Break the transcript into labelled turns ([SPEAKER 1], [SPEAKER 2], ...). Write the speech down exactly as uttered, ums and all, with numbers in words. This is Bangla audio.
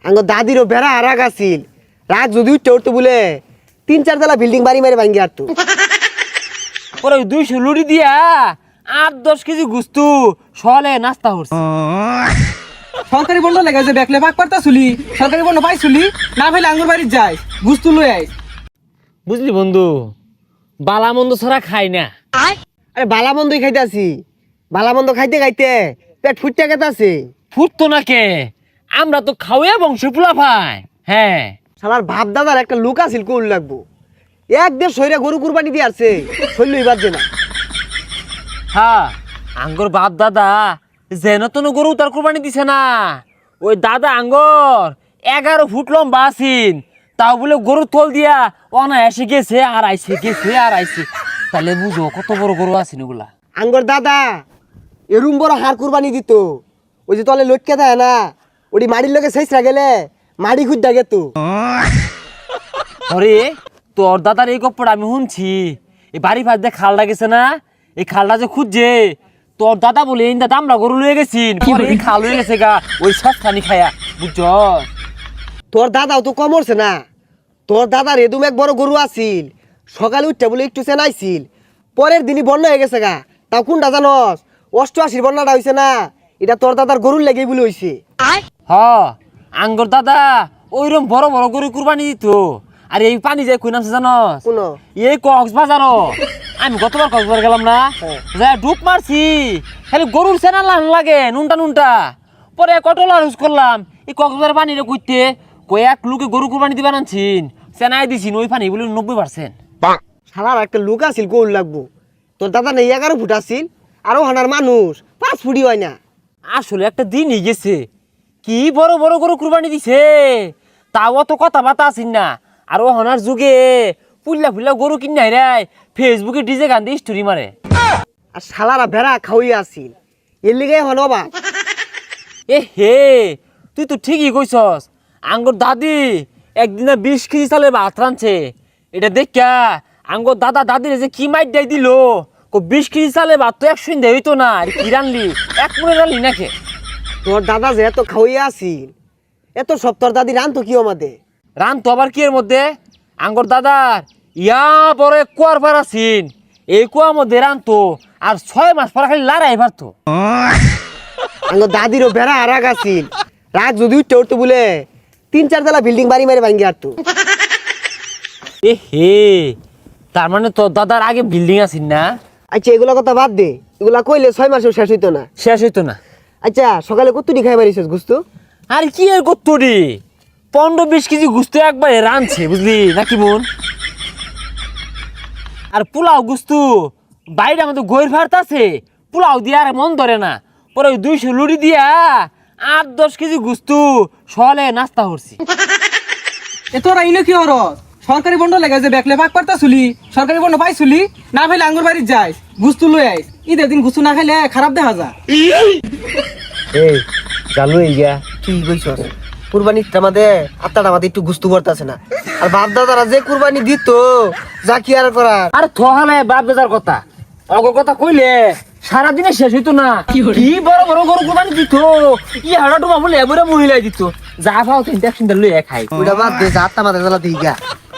[SPEAKER 1] আঙ্গ দাদিরও বেড়া আর রাগ আছিল রাগ যদি উঠতে উঠতে বলে তিন চার তলা বিল্ডিং বাড়ি মারে ভাঙ্গি আর তো
[SPEAKER 2] পরে দুইশো লুড়ি দিয়া আট দশ কেজি গুস্তু সলে নাস্তা হচ্ছে।
[SPEAKER 3] সরকারি বন্ধ লেগে যে দেখলে পাক পারতা চুলি সরকারি বন্ধ পাইছুলি না ভাইলে আঙ্গুর বাড়ি যাই গুস্তু লই আই।
[SPEAKER 2] বুঝলি বন্ধু, বালা মন্দ ছাড়া খাই না।
[SPEAKER 1] আরে বালা মন্দই খাইতে আছি, বালা মন্দ খাইতে খাইতে পেট ফুটতে গেতে আছে।
[SPEAKER 2] ফুটতো না কে, আমরা তো খাওয়া বংশ পোলা ভাই। হ্যাঁ
[SPEAKER 1] শালার বাপ দাদার একটা লোক আছিল কোল লাগবো এক দেড় সইরা গরু কুরবানি দিয়ে আসছে শৈল এবার যে না।
[SPEAKER 2] হ্যাঁ আঙ্গর বাপ দাদা যেন তেন গরু তার কোরবানি দিছে না। ওই দাদা আঙ্গর এগারো ফুট লম্বা আছিন, তাও বলে গরু তোল দিয়া অনায়াসে গেছে আর আইসে গেছে আর আইসে। তাহলে বুঝো কত বড় গরু আছেন ওগুলা।
[SPEAKER 1] আঙ্গর দাদা এরুম বড় হার কুরবানি দিত, ওই যে তলে লটকে থাকে না ওটি মাড়ির লোকে শেষরা গেলে মাড়ি খুঁজ থাকে তো।
[SPEAKER 2] আরে তোর দাদার এই গপ্পটা আমি শুনছি। এই বাড়ি ফাঁস দিয়ে খালটা গেছে না, এই খালটা যে খুঁজছে তোর দাদা বলে এই দাদা আমরা গরু লয়ে গেছিন, পরে এই খাল হয়ে গেছে গা ওই সস্তানি খায়া। বুঝছ
[SPEAKER 1] তোর দাদাও তো কমরছে না, তোর দাদার এদুম এক বড় গরু আছিল সকালে উঠতে বলে একটু চেনাইছিল, পরের দিনই বন্যা হয়ে গেছে গা। তাও কোনটা জানস? অষ্টআশির বন্যাটা হয়েছে না, এটা তোর দাদার গরুর লেগেই বলে হয়েছে।
[SPEAKER 2] হ আঙ্গর দাদা ওইরকম বড় বড় গরু কুরবানি দিত। আর এই পানি যায় কই নামছে জানস?
[SPEAKER 1] কোন
[SPEAKER 2] এই কক্সবাজার। আমি গতবার কক্সবাজার গেলাম না, যা ডুব মারছি খালি গরুর সেনা লান লাগে নুনটা নুনটা। পরে কটলা ইউজ করলাম এই কক্সবাজার পানিটা কইতে কই এক লোকে গরু কুরবানি দিবা আনছিন, সেনাই দিছিন ওই পানি বলে নব্বই পার্সেন্ট।
[SPEAKER 1] শালার একটা লোক আছিল গোল লাগবো, তোর দাদা নেই এগারো ফুট আছিল আরো হানার মানুষ পাঁচ ফুটি হয় না।
[SPEAKER 2] আসলে একটা দিনই গেছে, কি বড় বড় গরু কুরবানি দিছে, তাও অত কথা বাতা আসিন না। আর ও হনার যুগে পুল্লা ফুল্লা গরু কিনে রায় ফেসবুকে ডিজে গান দিয়ে স্টোরি মারে।
[SPEAKER 1] আর শালারা ভেড়া খাওয়াই আছিল এর লিগে হন অবাক।
[SPEAKER 2] এ হে তুই তো ঠিকই কইছস। আঙ্গর দাদি একদিনে বিশ কেজি চালে ভাত রাঁধছে, এটা দেখা আঙ্গর দাদা দাদির যে কি মাইট দেয় দিল। বিশ কেজি চালে ভাত তো একশো দেয় হইতো না, আর কি রানলি এক মনে রানলি নাকি?
[SPEAKER 1] তোর দাদা যে এত খাওয়াই আছিল এত সব তোর দাদি রান তো কি আমাদের
[SPEAKER 2] রান তো আবার কি এর মধ্যে আঙ্গর দাদার ইয়া বড় এক কুয়ার পার আছিন, এই কুয়ার মধ্যে রান তো আর ছয় মাস পর খালি লড়াই পারতো।
[SPEAKER 1] আঙ্গ দাদিরও বেড়া আর রাগ আছিল রাগ যদি উঠতে উঠতে বলে তিন চার তলা বিল্ডিং বাড়ি মারে ভাঙ্গি আর তো।
[SPEAKER 2] এ হে তার মানে তোর দাদার আগে বিল্ডিং আছিন না?
[SPEAKER 1] আচ্ছা এগুলা কথা বাদ দে, এগুলা কইলে ছয় মাসেও শেষ হইতো না।
[SPEAKER 2] শেষ হইতো না।
[SPEAKER 1] আচ্ছা সকালে কতটি খাই মারিছিস গুস্তু?
[SPEAKER 2] আর কি এর কত্তরি পনেরো বিশ কেজি গুস্ত একবারে রাঁধছে বুঝলি নাকি মন। আর পোলাও গুস্তু বাইরে আমাদের গৈর ভাত আছে, পোলাও দিয়ে আর মন ধরে না। পরে ওই দুইশো লুড়ি দিয়া আট দশ কেজি গুস্তু সলে নাস্তা করছি।
[SPEAKER 3] এ তোরা ইনো কি হর সরকারি বন্ধ লেগে যে দেখলে পাক পারতা চুলি সরকারি বন্ধ পাইছুলি না ভাইলে আঙ্গুর বাড়ি যাই গুস্তু লই আই। ঈদের দিন গুস্তু না খাইলে খারাপ দেখা যায়।
[SPEAKER 1] এই চালু এই গিয়া কি কইছস? কুরবানিটা আমাদের আত্মাটা আমাদের একটু গুস্তু করতেছে না। আর বাপ দাদারা যে কুরবানি দিত যা কি আর করার।
[SPEAKER 2] আর থহালে বাপ বেজার কথা অগর কথা কইলে সারাদিনে শেষ হইতো না। কি বড় বড় গরু কুরবানি দিত, ই হাড়া ডুবা বলে এবারে মহিলাই দিত। যা পাও তিনটা সুন্দর লইয়া খাই।
[SPEAKER 1] ওইটা বাদ দে, যা আত্মা আমাদের জ্বালা দিই গা।